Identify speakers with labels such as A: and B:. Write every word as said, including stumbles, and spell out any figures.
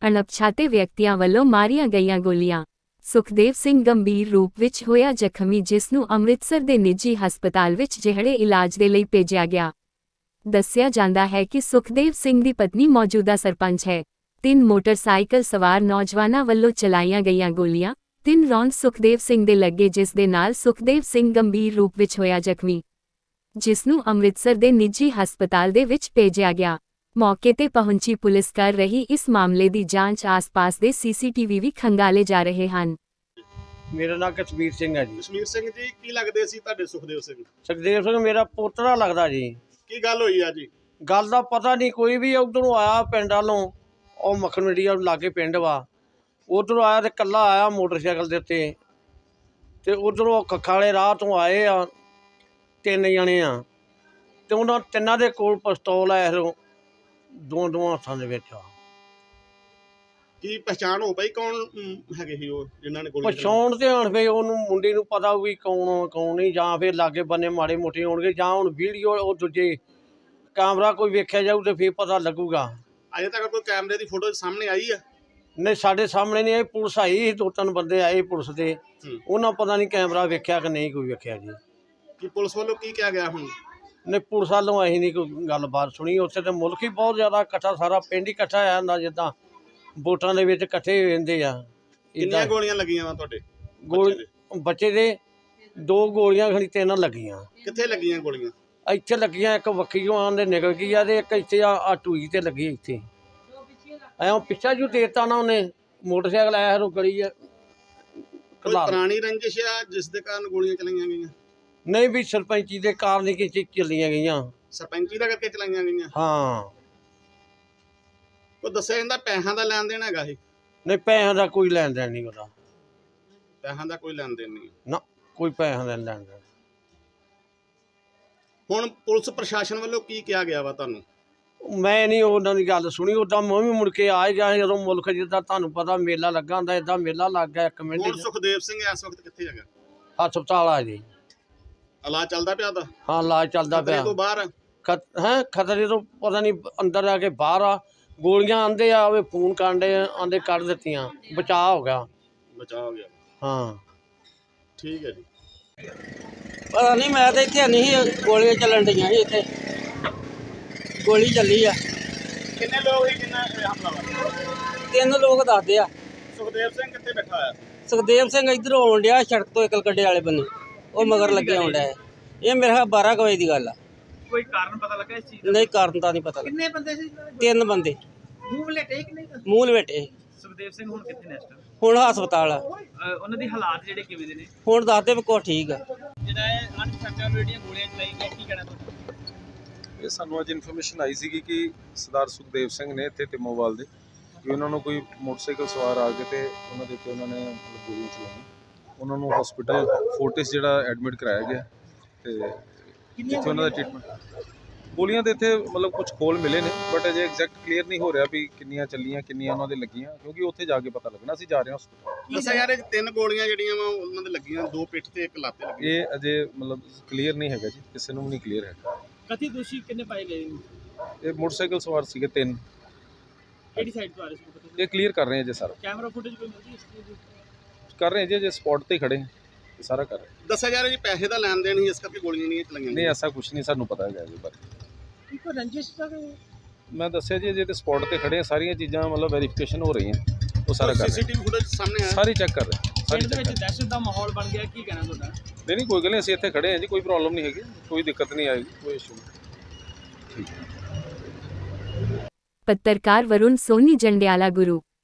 A: ਅਣਪਛਾਤੇ ਵਿਅਕਤੀਆਂ ਵੱਲੋਂ ਮਾਰੀਆਂ ਗਈਆਂ ਗੋਲੀਆਂ। ਸੁਖਦੇਵ ਸਿੰਘ ਗੰਭੀਰ ਰੂਪ ਵਿੱਚ ਹੋਇਆ ਜ਼ਖਮੀ, ਜਿਸ ਨੂੰ ਅੰਮ੍ਰਿਤਸਰ ਦੇ ਨਿੱਜੀ ਹਸਪਤਾਲ ਵਿੱਚ ਜਿਹੜੇ ਇਲਾਜ ਦੇ ਲਈ ਭੇਜਿਆ ਗਿਆ। ਦੱਸਿਆ ਜਾਂਦਾ ਹੈ ਕਿ ਸੁਖਦੇਵ ਸਿੰਘ ਦੀ ਪਤਨੀ ਮੌਜੂਦਾ ਸਰਪੰਚ ਹੈ। ਤਿੰਨ ਮੋਟਰਸਾਈਕਲ ਸਵਾਰ ਨੌਜਵਾਨਾਂ ਵੱਲੋਂ ਚਲਾਈਆਂ ਗਈਆਂ ਗੋਲੀਆਂ, ਤਿੰਨ ਰੌਂਦ ਸੁਖਦੇਵ ਸਿੰਘ ਦੇ ਲੱਗੇ, ਜਿਸ ਦੇ ਨਾਲ ਸੁਖਦੇਵ ਸਿੰਘ ਗੰਭੀਰ ਰੂਪ ਵਿੱਚ ਹੋਇਆ ਜ਼ਖਮੀ, ਜਿਸ ਨੂੰ ਅੰਮ੍ਰਿਤਸਰ ਦੇ ਨਿੱਜੀ ਹਸਪਤਾਲ ਦੇ ਵਿੱਚ ਭੇਜਿਆ ਗਿਆ। ਮੌਕੇ ਤੇ ਪਹੁੰਚੀ ਪੁਲਿਸ ਕਰ ਰਹੀ ਇਸ ਮਾਮਲੇ ਦੀ ਜਾਂਚ। ਆਸ-ਪਾਸ ਦੇ ਸੀਸੀਟੀਵੀ ਵੀ ਖੰਗਾਲੇ ਜਾ ਰਹੇ ਹਨ।
B: ਮੇਰਾ ਨਾਮ ਕਸ਼ਮੀਰ ਸਿੰਘ ਹੈ ਜੀ।
C: ਕਸ਼ਮੀਰ ਸਿੰਘ ਜੀ, ਕੀ ਲੱਗਦੇ ਸੀ ਤੁਹਾਡੇ ਸੁਖਦੇਵ ਸਿੰਘ?
B: ਸੁਖਦੇਵ ਸਿੰਘ ਮੇਰਾ ਪੋਤਰਾ ਲੱਗਦਾ ਜੀ।
C: ਕੀ ਗੱਲ ਹੋਈ ਆ ਜੀ?
B: ਗੱਲ ਦਾ ਪਤਾ ਨਹੀਂ, ਕੋਈ ਵੀ ਉਧਰੋਂ ਆਇਆ ਪਿੰਡ ਵੱਲੋਂ, ਉਹ ਮੱਖਣ ਮੰਡੀ ਲਾਗੇ ਪਿੰਡ ਵਾ, ਉਧਰੋਂ ਆਇਆ ਤੇ ਕੱਲਾ ਆਇਆ ਮੋਟਰਸਾਈਕਲ ਦੇ ਉੱਤੇ, ਤੇ ਉਧਰੋਂ ਕੱਖਾਂ ਵਾਲੇ ਰਾਹ ਤੋਂ ਆਏ ਆ ਤਿੰਨ ਜਣੇ ਆ, ਤੇ ਉਹਨਾਂ ਤਿੰਨਾਂ ਦੇ ਕੋਲ ਪਿਸਤੌਲ ਆ, ਦੋ ਦੋ ਹੱਥਾਂ ਦੇ ਵਿੱਚ ਆ।
C: ਕੀ ਪਛਾਣ ਹੋ ਪਈ ਕੌਣ ਅਮ, ਹੈਗੇ ਸੀ ਉਹ ਜਿਨ੍ਹਾਂ ਨੇ ਗੋਲੀ
B: ਪਛਾਣ ਤੇ ਹੁਣ ਫੇ ਉਹਨੂੰ ਮੁੰਡੇ ਨੂੰ ਪਤਾ ਵੀ ਕੌਣ ਕੌਣ ਨਹੀਂ, ਜਾਂ ਫਿਰ ਲਾਗੇ ਬੰਨੇ ਮਾੜੇ ਮੋਟੇ ਹੋਣਗੇ, ਜਾਂ ਹੁਣ ਵੀਡੀਓ ਉਹ ਦੂਜੇ ਕੈਮਰਾ ਕੋਈ ਵੇਖਿਆ ਜਾਊ ਤੇ ਫਿਰ ਪਤਾ ਲੱਗੂਗਾ।
C: ਅਜੇ ਤੱਕ ਕੋਈ ਕੈਮਰੇ ਦੀ ਫੋਟੋ ਸਾਹਮਣੇ ਆਈ ਆ?
B: ਨਹੀਂ, ਸਾਡੇ ਸਾਹਮਣੇ ਨਹੀਂ ਆਈ। ਪੁਲਿਸ ਆਈ ਸੀ, ਦੋ ਤਿੰਨ ਬੰਦੇ ਆਏ ਪੁਲਿਸ ਦੇ, ਉਹਨਾਂ ਪਤਾ ਨਹੀਂ ਕੈਮਰਾ ਵੇਖਿਆ ਕਿ ਨਹੀਂ ਕੋਈ ਵੇਖਿਆ ਜੀ।
C: ਕੀ ਪੁਲਿਸ ਵੱਲੋਂ ਕੀ ਕਿਹਾ ਗਿਆ ਹੁਣ?
B: ਨਹੀਂ, ਪੁਲਿਸ ਵੱਲੋਂ ਅਸੀਂ ਨਹੀਂ ਕੋਈ ਗੱਲਬਾਤ ਸੁਣੀ। ਉੱਥੇ ਤੇ ਮੁਲਕ ਹੀ ਬਹੁਤ ਜ਼ਿਆਦਾ ਇਕੱਠਾ, ਸਾਰਾ ਪਿੰਡ ਹੀ ਇਕੱਠਾ ਹੋਇਆ ਹੁੰਦਾ, ਜਿੱਦਾਂ ਵੋਟਾਂ ਦੇ ਵਿੱਚ ਇਕੱਠੇ ਹੋ ਜਾਂਦੇ ਆ।
C: ਕਿੰਨੀਆਂ ਗੋਲੀਆਂ ਲੱਗੀਆਂ ਵਾ ਤੁਹਾਡੇ
B: ਗੋਲੀ ਬੱਚੇ ਦੇ? ਦੋ ਗੋਲੀਆਂ ਖਣੀ ਤਿੰਨ ਲੱਗੀਆਂ।
C: ਕਿੱਥੇ ਲੱਗੀਆਂ ਗੋਲੀਆਂ?
B: ਇੱਥੇ ਲੱਗੀਆਂ, ਇੱਕ ਵੱਖੀਓਂ ਆਂਦੇ ਨਿਕਲ ਗਈ ਆ, ਤੇ ਇੱਕ ਇੱਥੇ ਆ ਟੂਈ ਤੇ ਲੱਗੀ ਇੱਥੇ। ਐਂ ਪਿੱਛਾ ਜੂ ਦੇਤਾ ਨਾ ਉਹਨੇ, ਮੋਟਰਸਾਈਕਲ ਆਇਆ ਰੋ ਗਲੀ ਆ।
C: ਕੋਈ ਪੁਰਾਣੀ ਰੰਜਿਸ਼ ਆ ਜਿਸ ਦੇ ਕਾਰਨ ਗੋਲੀਆਂ ਚਲਾਈਆਂ ਗਈਆਂ?
B: ਨਹੀਂ, ਵੀ ਸਰਪੰਚੀ ਦੇ ਕਾਰਨ ਹੀ ਕਿ ਚੱਲੀਆਂ ਗਈਆਂ।
C: ਸਰਪੰਚੀ ਦਾ ਕਰਕੇ ਚਲਾਈਆਂ ਗਈਆਂ?
B: ਹਾਂ।
C: ਉਹ ਦੱਸਿਆ ਜਾਂਦਾ ਪੈਸਿਆਂ ਦਾ ਲੈਣ ਦੇਣ ਹੈਗਾ ਸੀ?
B: ਨਹੀਂ, ਪੈਸਿਆਂ ਦਾ ਕੋਈ ਲੈਣ ਦੇਣ ਨਹੀਂ ਉਹਦਾ।
C: ਪੈਸਿਆਂ ਦਾ ਕੋਈ ਲੈਣ ਦੇਣ ਨਹੀਂ
B: ਨਾ, ਕੋਈ ਪੈਸਿਆਂ ਦਾ ਲੈਣ ਦੇਣ।
C: ਹੁਣ ਪੁਲਿਸ ਪ੍ਰਸ਼ਾਸਨ ਵੱਲੋਂ ਕੀ ਕਿਹਾ ਗਿਆ ਵਾ ਤੁਹਾਨੂੰ?
B: ਮੈਂ ਨਹੀਂ ਉਹਨਾਂ ਦੀ ਗੱਲ ਸੁਣੀ। ਉੱਦਾਂ ਮੈਂ ਵੀ ਮੁੜ ਕੇ ਆ ਗਿਆ ਜਦੋਂ ਮੁਲਕ ਜਿੱਦਾਂ ਤੁਹਾਨੂੰ ਪਤਾ ਮੇਲਾ ਲੱਗਾ ਹੁੰਦਾ, ਏਦਾਂ ਮੇਲਾ ਲੱਗ ਗਿਆ ਇੱਕ ਮਿੰਟ।
C: ਹੁਣ ਸੁਖਦੇਵ ਸਿੰਘ ਇਸ ਵਕਤ ਕਿੱਥੇ ਹੈਗਾ?
B: ਹਸਪਤਾਲ ਆ ਜੀ।
C: ਇਲਾਜ ਚੱਲਦਾ ਪਿਆ ਉਹਦਾ?
B: ਹਾਂ, ਇਲਾਜ ਚੱਲਦਾ
C: ਖਤਰੇ
B: ਪਿਆ।
C: ਤੋਂ ਬਾਹਰ
B: ਹੈ ਖਤਰੇ ਤੋਂ ਪਤਾ ਨਹੀਂ, ਅੰਦਰ ਆ ਕੇ ਬਾਹਰ ਆ। ਗੋਲੀਆਂ ਆਂਦੇ ਆ, ਉਹ ਫੋਨ ਕਾਂਡੇ ਆਂਦੇ ਕੱਢ ਦਿੱਤੀਆਂ, ਬਚਾਅ ਹੋ ਗਿਆ।
C: ਬਚਾਅ ਹੋ ਗਿਆ?
B: ਹਾਂ,
C: ਠੀਕ ਹੈ ਜੀ।
D: ਪਤਾ ਨਹੀਂ, ਮੈਂ ਤਾਂ ਇੱਥੇ ਨਹੀਂ ਸੀ, ਗੋਲੀਆਂ ਚੱਲਣ ਡੀਆਂ ਸੀ ਇੱਥੇ, ਗੋਲੀ ਚੱਲੀ ਆ।
C: ਕਿੰਨੇ ਲੋਕ ਸੀ ਜਿੰਨਾ ਹਮਲਾਵਰ?
D: ਤਿੰਨ ਲੋਕ ਦੱਸਦੇ ਆ।
C: ਸੁਖਦੇਵ ਸਿੰਘ ਕਿੱਥੇ ਬੈਠਾ ਹੋਇਆ?
D: ਸੁਖਦੇਵ ਸਿੰਘ ਇੱਧਰੋਂ ਆਉਣ ਡਿਆ ਸੜਕ ਤੋਂ, ਇਕਲ ਗੱਡੇ ਵਾਲੇ ਬੰਨੇ, ਉਹ ਮਗਰ ਲੱਗੇ ਆਉਣ ਡਿਆ। ਇਹ ਮੇਰੇ ਖਿਆਲ ਬਾਰਾਂ ਕੁ ਵਜੇ ਦੀ ਗੱਲ ਆ।
C: ਕੋਈ ਕਾਰਨ ਪਤਾ ਲੱਗਾ ਇਸ ਚੀਜ਼
D: ਦਾ? ਨਹੀਂ, ਕਾਰਨ ਤਾਂ ਨਹੀਂ ਪਤਾ।
E: ਕਿੰਨੇ ਬੰਦੇ ਸੀ?
D: ਤਿੰਨ ਬੰਦੇ।
E: ਮੂੰਹ ਲੇਟੇ ਕਿ ਨਹੀਂ?
D: ਮੂੰਹ ਲਵੇਟੇ।
F: ਸੁਖਦੇਵ ਸਿੰਘ ਹੁਣ ਕਿੱਥੇ ਨੇ ਇਸ ਟਾਈਮ?
D: ਹੁਣ ਹਸਪਤਾਲ ਆ।
F: ਉਹਨਾਂ ਦੇ ਹਾਲਾਤ ਜਿਹੜੇ ਕਿਵੇਂ ਦੇ ਨੇ?
D: ਹੁਣ ਦੱਸਦੇ ਵੀ ਕੁਛ ਠੀਕ ਆ।
F: ਜਿਹੜਾ ਇਹ ਅਣਪਛਾਤੇ ਜਿਹੜੀਆਂ ਗੋਲੀਆਂ ਚਲਾਈ ਗਈਆਂ, ਕੀ ਕਹਿਣਾ ਤੁਹਾਡਾ?
G: ਇਹ ਸਾਨੂੰ ਅੱਜ ਇਨਫੋਰਮੇਸ਼ਨ ਆਈ ਸੀਗੀ ਕਿ ਸਰਦਾਰ ਸੁਖਦੇਵ ਸਿੰਘ ਨੇ ਇੱਥੇ ਟਿਮੋਵਾਲ ਦੇ, ਕਿ ਉਹਨਾਂ ਨੂੰ ਕੋਈ ਮੋਟਰਸਾਈਕਲ ਸਵਾਰ ਆ ਕੇ ਤੇ ਉਹਨਾਂ ਦੇ ਉੱਤੇ ਉਹਨਾਂ ਨੇ ਗੋਲੀਆਂ ਚਲਾਈਆਂ। ਉਹਨਾਂ ਨੂੰ ਹਸਪੀਟਲ ਫੋਰਟਿਸ ਜਿਹੜਾ ਐਡਮਿਟ ਕਰਾਇਆ ਗਿਆ, ਤੇ ਜਿੱਥੇ ਉਹਨਾਂ ਦਾ ਟ੍ਰੀਟਮੈਂਟ। ਗੋਲੀਆਂ ਦੇ ਇੱਥੇ ਮਤਲਬ ਕੁਝ ਖੋਲ ਮਿਲੇ ਨੇ, ਬਟ ਅਜੇ ਐਗਜ਼ੈਕਟ ਕਲੀਅਰ ਨਹੀਂ ਹੋ ਰਿਹਾ ਵੀ ਕਿੰਨੀਆਂ ਚੱਲੀਆਂ, ਕਿੰਨੀਆਂ ਉਹਨਾਂ ਦੇ ਲੱਗੀਆਂ, ਕਿਉਂਕਿ ਉੱਥੇ ਜਾ ਕੇ ਪਤਾ ਲੱਗਣਾ। ਅਸੀਂ ਜਾ ਰਹੇ ਹਾਂ ਹਸਪੀਟਲ।
C: ਦੱਸਿਆ ਯਾਰ, ਇਹ ਤਿੰਨ ਗੋਲੀਆਂ ਜਿਹੜੀਆਂ ਵਾ ਉਹਨਾਂ ਦੇ ਲੱਗੀਆਂ, ਦੋ ਪਿੱਠ ਤੇ ਇੱਕ ਲੱਤ ਤੇ ਲੱਗੀ।
G: ਇਹ ਅਜੇ ਮਤਲਬ ਕਲੀਅਰ ਨਹੀਂ ਹੈਗਾ ਜੀ, ਕਿਸੇ ਨੂੰ ਵੀ ਨਹੀਂ ਕਲੀਅਰ ਹੈਗਾ।
F: ਕਥਿਤ ਦੋਸ਼ੀ ਕਿੰਨੇ ਪਾਏ ਗਏ?
G: ਇਹ ਮੋਟਰਸਾਈਕਲ ਸਵਾਰ ਸੀਗੇ ਤਿੰਨ।
F: ਕਿਹੜੀ ਸਾਈਡ ਤੋਂ ਆ ਰਹੇ ਸੀ?
G: ਇਹ ਕਲੀਅਰ ਕਰ ਰਹੇ ਹਾਂ ਜੀ, ਸਾਰਾ
F: ਕੈਮਰਾ ਫੁਟੇਜ ਕੋਈ ਮਿਲਦੀ ਇਸ ਚੀਜ਼ ਦੀ?
G: ਕਰ ਰਹੇ ਹਾਂ ਜੀ, ਜੇ ਸਪੌਟ ਤੇ ਖੜੇ ਹਾਂ, ਇਹ ਸਾਰਾ ਕਰ ਰਹੇ ਹਾਂ।
C: ਦੱਸਿਆ ਯਾਰ, ਜੀ ਪੈਸੇ ਦਾ ਲੈਣ ਦੇਣ ਸੀ, ਇਸ ਕਰਕੇ ਗੋਲੀਆਂ ਨਹੀਂ ਚਲਾਈਆਂ?
G: ਨਹੀਂ, ਐਸਾ ਕੁਝ ਨਹੀਂ ਸਾਨੂੰ ਪਤਾ ਹੈਗਾ ਇਹਦੇ ਬਾਰੇ।
E: ਕੋਈ ਰੰਜਿਸ਼ ਤਾਂ?
G: ਮੈਂ ਦੱਸਿਆ ਜੀ, ਜੇ ਤੇ ਸਪੌਟ ਤੇ ਖੜੇ ਆ, ਸਾਰੀਆਂ ਚੀਜ਼ਾਂ ਮਤਲਬ ਵੈਰੀਫਿਕੇਸ਼ਨ ਹੋ ਰਹੀਆਂ, ਉਹ ਸਾਰਾ ਕਰ ਰਹੇ
C: ਸੀਸੀਟੀਵੀ ਫੁਟੇਜ ਸਾਹਮਣੇ ਆਇਆ?
G: ਸਾਰੀ ਚੈੱਕ ਕਰ ਰਹੇ ਸਾਰੀ
F: ਪਿੰਡ ਦੇ
G: ਚੈੱਕ
F: ਵਿੱਚ ਦਹਿਸ਼ਤ ਦਾ ਮਾਹੌਲ ਬਣ ਗਿਆ, ਕੀ ਕਹਿਣਾ ਤੁਹਾਡਾ?
G: ਨਹੀਂ ਨਹੀਂ, ਕੋਈ ਗੱਲ ਨਹੀਂ, ਅਸੀਂ ਇੱਥੇ ਖੜੇ ਹਾਂ ਜੀ, ਕੋਈ ਪ੍ਰੋਬਲਮ ਨਹੀਂ ਹੈਗੀ, ਕੋਈ ਦਿੱਕਤ ਨਹੀਂ ਆਏਗੀ, ਕੋਈ ਇਸ਼ੂ ਨਹੀਂ। ਠੀਕ।
A: ਪੱਤਰਕਾਰ ਵरुण सोनी जंडियाला गुरु।